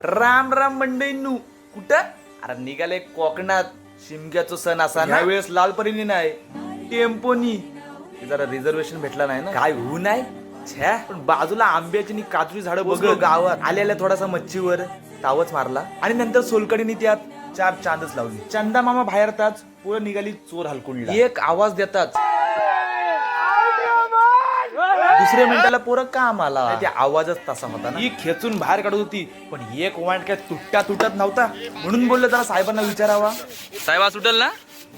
राम राम मंडळींनू. कुठं? अरे निघाले कोकणात शिमग्याचा सण असा ना. वेळेस लालपरीने नाही टेम्पोनी जरा रिझर्वेशन भेटला नाही ना. काय होऊ नाही छ्या. पण बाजूला आंब्याची आणि काजूची झाडं बघ. गावात आलेल्या थोडासा मच्छीवर तावच मारला आणि नंतर सोलकडीने त्यात 4 चांदच लावली. चंदा मामा बाहेरताच पुढे निघाली चोर हलकुंडला. एक आवाज देतात दुसऱ्या मिनिटाला पोरं काम आला. त्या आवाजच तसा होता ना. ही खेचून बाहेर काढत होती पण एक वाट काय तुटत नव्हता. म्हणून बोललं जरा साहेबांना विचारावा. साहेबा सुटल ना?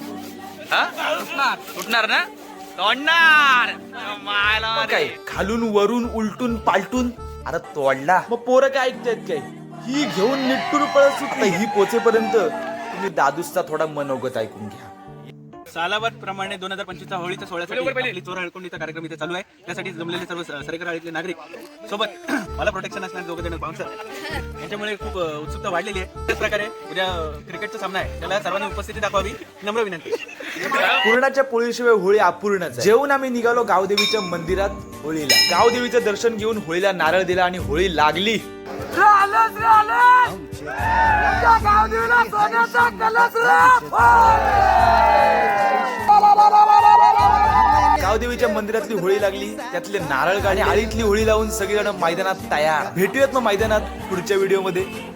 सुटणार ना? तोडणार काय खालून वरून उलटून पालटून अरे तोडला. मग पोरं काय ऐकतात काय. ही घेऊन निट्टूर पळत सुटली. ही पोचेपर्यंत तुम्ही दादूसचा थोडा मनोगत ऐकून घ्या. सालाबाद प्रमाणे 2025 होळीच्या सोहळ्यासाठी आपली चोर हळकुंडीचा कार्यक्रम इथे चालू आहे. त्यासाठी जमलेले सर्व सरेकर आळीतले नागरिक सोबत मला प्रोटेक्शन असणारे दोघं जण बाउन्सर यांच्यामुळे खूप उत्सुकता वाढलेली आहे. त्याच प्रकारे उद्या क्रिकेटचा सामना आहे, त्याला सर्वांनी उपस्थिती दाखवावी नम्र विनंती. पूर्णाच्या पोळीशिवाय होळी अपूर्णच. जेवून आम्ही निघालो गावदेवीच्या मंदिरात होळीला. गावदेवीचं दर्शन घेऊन होळीला नारळ दिला आणि होळी लागली. गावदेवीच्या मंदिरातली होळी लागली, त्यातले नारळ गाणी आळीतली होळी लावून सगळेजण मैदानात तयार. भेटूयात मग मैदानात पुढच्या व्हिडिओ मध्ये.